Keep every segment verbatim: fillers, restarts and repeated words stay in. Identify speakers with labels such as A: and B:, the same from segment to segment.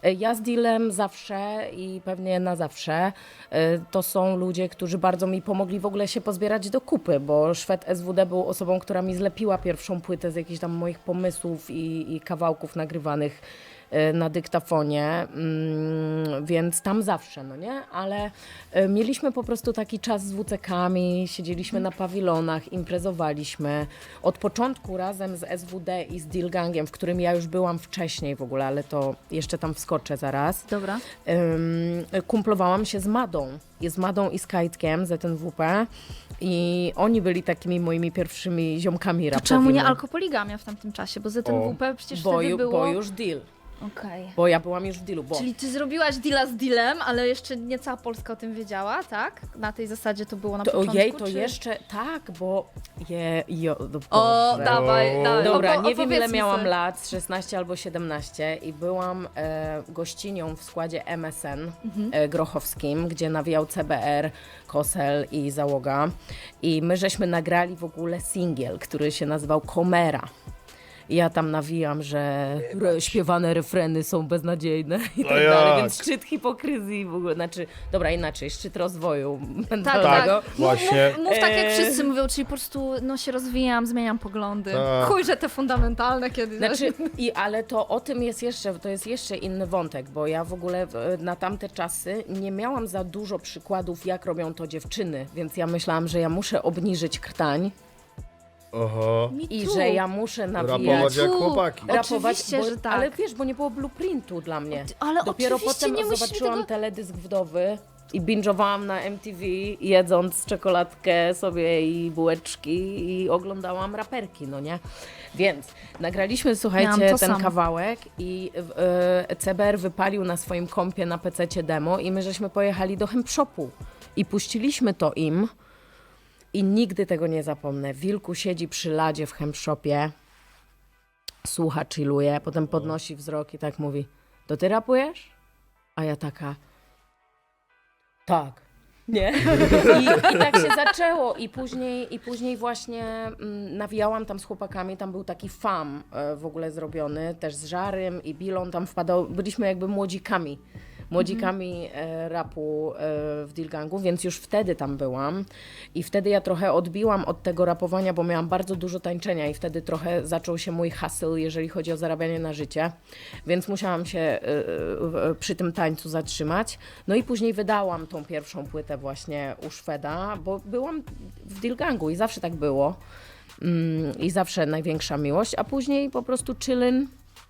A: Ja z Dealem zawsze i pewnie na zawsze. To są ludzie, którzy bardzo mi pomogli w ogóle się pozbierać do kupy, bo Szwed S W D był osobą, która mi zlepiła pierwszą płytę z jakichś tam moich pomysłów i, i kawałków nagrywanych na dyktafonie, więc tam zawsze, no nie? Ale mieliśmy po prostu taki czas z W C Kami, siedzieliśmy na pawilonach, imprezowaliśmy. Od początku razem z S W D i z Deal Gangiem, w którym ja już byłam wcześniej w ogóle, ale to jeszcze tam wskoczę zaraz.
B: Dobra.
A: Kumplowałam się z Madą. Z Madą i z Kajtkiem, Z N W P. I oni byli takimi moimi pierwszymi ziomkami rapowymi.
B: Czemu nie alkopoligamia w tamtym czasie? Bo Z N W P przecież
A: bo,
B: wtedy
A: ju,
B: było...
A: bo już Deal.
B: Okej. Okay.
A: Bo ja byłam już w Dealu. Bo...
B: Czyli ty zrobiłaś deala z dealem, ale jeszcze nie cała Polska o tym wiedziała, tak? Na tej zasadzie to było na
A: to,
B: początku,
A: Ojej, to
B: czy...
A: jeszcze, tak, bo... Je, jo, no
B: o,
A: Boże.
B: dawaj, dawaj.
A: Dobra,
B: Opo-
A: nie wiem ile miałam
B: sobie.
A: lat, szesnaście albo siedemnaście i byłam e, gościnią w składzie M S N mhm. e, grochowskim, gdzie nawijał C B R, Kosel i Załoga. I my żeśmy nagrali w ogóle singiel, który się nazywał Komera. I ja tam nawijam, że re, śpiewane refreny są beznadziejne i tak
C: jak?
A: dalej, więc szczyt hipokryzji w ogóle, znaczy, dobra, inaczej, szczyt rozwoju
B: Tak,
A: mentalnego.
B: tak.
C: Właśnie.
B: Mów, mów tak jak
A: Eee.
B: wszyscy mówią, czyli po prostu no, się rozwijam, zmieniam poglądy.
C: Tak.
B: Chuj, że te fundamentalne kiedy...
A: Znaczy, i, ale to o tym jest jeszcze, to jest jeszcze inny wątek, bo ja w ogóle w- na tamte czasy nie miałam za dużo przykładów, jak robią to dziewczyny, więc ja myślałam, że ja muszę obniżyć krtań
C: Oho.
B: Me
A: i
B: too.
A: że ja muszę nawijać.
C: Rapować jak
B: Tu.
C: chłopaki.
A: Rapować,
B: Oczywiście,
A: bo,
B: że tak.
A: Ale wiesz, bo nie było blueprintu dla mnie.
B: Ale
A: Dopiero
B: oczywiście
A: potem
B: nie musimy
A: zobaczyłam
B: tego...
A: teledysk Wdowy i binge'owałam na M T V, jedząc czekoladkę sobie i bułeczki i oglądałam raperki, no nie? Więc nagraliśmy, słuchajcie,
B: Miałam
A: ten
B: to samo.
A: kawałek i e, C B R wypalił na swoim kompie na pececie demo i my żeśmy pojechali do Hempshopu i puściliśmy to im i nigdy tego nie zapomnę. Wilku siedzi przy ladzie w Hempshopie, słucha, chilluje, potem podnosi wzrok i tak mówi: to ty rapujesz? A ja taka: tak. Nie? I, I tak się zaczęło. I później, i później właśnie mm, nawijałam tam z chłopakami, tam był taki fam e, w ogóle zrobiony, też z Żarym i Bilą tam wpadał, byliśmy jakby młodzikami. Młodzikami e, rapu e, w Deal Gangu, więc już wtedy tam byłam i wtedy ja trochę odbiłam od tego rapowania, bo miałam bardzo dużo tańczenia i wtedy trochę zaczął się mój hustle, jeżeli chodzi o zarabianie na życie, więc musiałam się e, e, przy tym tańcu zatrzymać. No i później wydałam tą pierwszą płytę właśnie u Szweda, bo byłam w Deal Gangu i zawsze tak było mm, i zawsze największa miłość, a później po prostu chillin'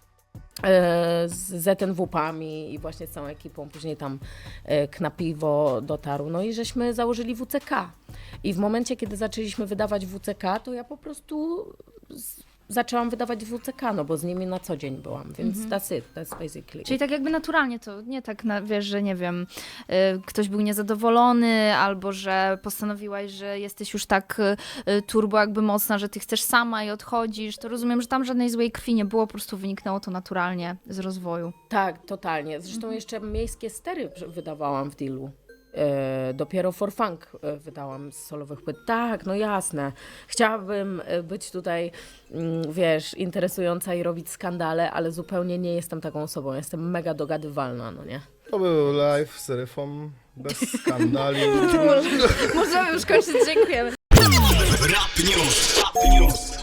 A: z Z N W P-ami i właśnie z całą ekipą, później tam e, Knapiwo dotarł, no i żeśmy założyli W C K. I w momencie, kiedy zaczęliśmy wydawać W C K, to ja po prostu z, zaczęłam wydawać W C K, no bo z nimi na co dzień byłam, więc mm-hmm. that's it, that's basically.
B: Czyli tak jakby naturalnie to, nie tak, na, wiesz, że nie wiem, y, ktoś był niezadowolony, albo że postanowiłaś, że jesteś już tak y, turbo jakby mocna, że ty chcesz sama i odchodzisz, to rozumiem, że tam żadnej złej krwi nie było, po prostu wyniknęło to naturalnie z rozwoju.
A: Tak, totalnie. Zresztą jeszcze miejskie stery wydawałam w Dealu. E, dopiero For Funk e, wydałam z solowych płyt. Tak, no jasne. Chciałabym e, być tutaj, mm, wiesz, interesująca i robić skandale, ale zupełnie nie jestem taką osobą. Jestem mega dogadywalna, no nie?
C: To był live z Ryfą, bez skandali.
B: Możemy już kończyć, dziękujemy.
D: Rap News. Rap News.